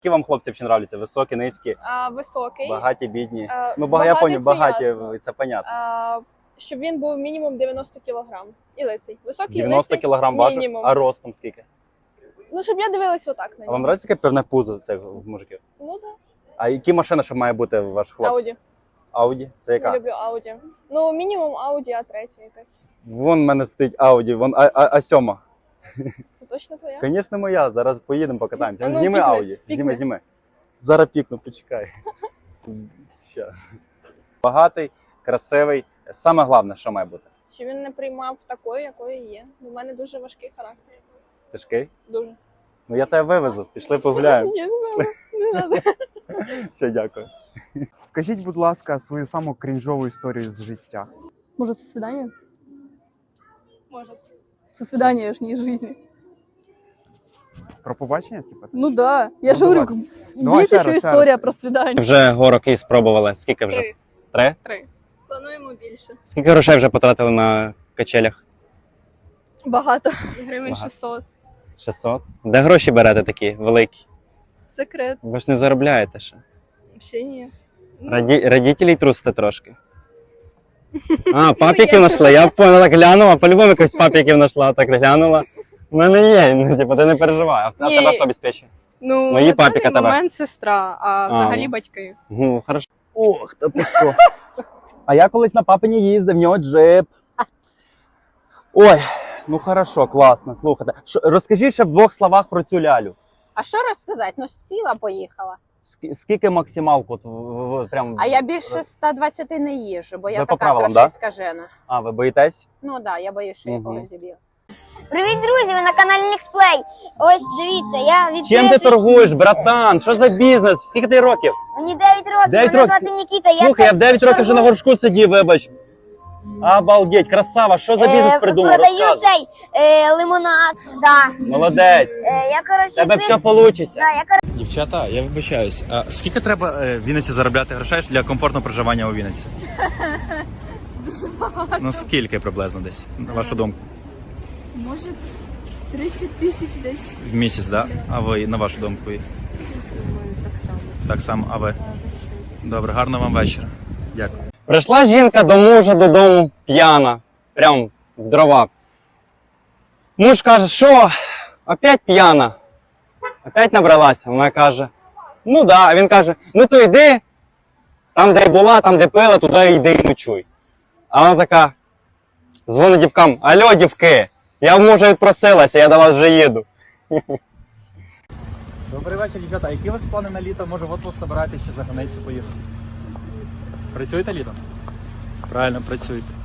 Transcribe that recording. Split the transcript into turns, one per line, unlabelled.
Які вам хлопці взагалі нравляться? Високі, низькі,
Високий.
багаті, бідні? Я
Багатий
поняв,
це
багаті,
ясно.
це понятно.
Щоб він був мінімум 90 кг. І лисий. Високий,
90
лисий,
кг важив,
мінімум.
а ростом скільки?
Ну, щоб я дивилась отак на
А
нього.
вам нравиться таке певне пузо цих мужиків?
Ну, так.
А які машини ще має бути у ваших хлопців?
Ауді.
Ауді? Це
Я
яка?
люблю Ауді. Ну, мінімум Ауді А3 якась.
Вон в мене стоїть Ауді, вон А7.
Це точно твоя?
Звісно, моя. Зараз поїдемо покатаємося.
А ну,
Зніми
пікни,
Ауді.
пікни.
Зніми. Зараз пікну, почекай. Щас. Багатий, красивий. Саме головне, що має бути?
Щоб він не приймав такою, якою є. У мене дуже важкий характер.
Тяжкий?
Дуже.
Ну я тебе вивезу. Пішли погуляємо.
Ні, не треба.
Все, дякую.
Скажіть, будь ласка, свою саму крінжову історію з життя.
Может, со свидания?
Може.
Со свидания ж не из жизни.
Про побачення, типу?
Ну да. Я
Ну,
же говорю,
давай. Давай
есть
ще
еще
раз, ще
история
раз.
про свидание.
Вже горок спробували. Скільки вже?
3.
3?
3. Плануємо більше.
Скільки грошей вже потратили на качелях?
Багато. Гривень
Багато.
600.
600? Де гроші берете такі великі?
Секрет.
Ви ж не заробляєте ще.
Взагалі ні.
Родителей трусите трошки. А, папіків знайшла. Я поняла, так глянула. По-любому якось папіків знайшла, так глянула. У мене є, ну, типу, ти не переживай. А
Ні.
тебе хто обезпечує?
Ну,
Мої
на даний
папіка тебе.
момент сестра, а взагалі
ну.
батьки.
Ну, хорошо. Ох, та ти що. А я колись на папині їздив, в нього джип. Ой, ну хорошо, класно, слухайте. Розкажи ще в 2 словах про цю лялю.
А що розказати? Ну, сіла, поїхала.
Скільки максималку? Прям...
А я більше 120 не їжджу, бо я
Ви по
така
правилам,
трошки
да?
скажена.
А, ви боїтесь?
Ну так, да, я боюсь, що я
Мгм.
когось зіб'ю.
Привіт, друзі! Ви на каналі Nextplay. Ось дивіться, я відкрив...
Чим ти торгуєш, братан? Що за бізнес? Скільки ти років?
Мені 9 років,
9
мене
років?
звати Нікіта.
Слухай, я в 9 років вже на горшку сидів, вибач. Обалдеть, красава, що за бізнес придумав?
Продаю
Розказуй.
цей лимонад. Да.
Молодець.
Я, коротше,
Тебе
відкрив-
все вийде.
Да, я,
Дівчата, я вибачаюсь. А скільки треба в Вінниці заробляти грошей для комфортного проживання у Вінниці?
Дуже багато.
Ну скільки приблизно десь, на вашу думку?
Може, 30 тисяч десь.
В місяць, так? Да? А ви, на вашу думку?
Думаю, так само.
Так само, а ви? Добре, гарного вам вечора. Дякую. Прийшла жінка до мужа додому п'яна, прям в дрова. Муж каже, що, опять п'яна? Опять набралася? Вона каже, ну да. А він каже, ну то йди, там де була, там де пила, туди йди і ночуй. А вона така, дзвонить дівкам, алло, дівки, я в мужа відпросилася, я до вас вже їду. Добрий вечір, дівчата. А які у вас плани на літо? Може в отпуск збираєтесь чи за границю поїхати? Працюєте літом? Правильно, працюєте.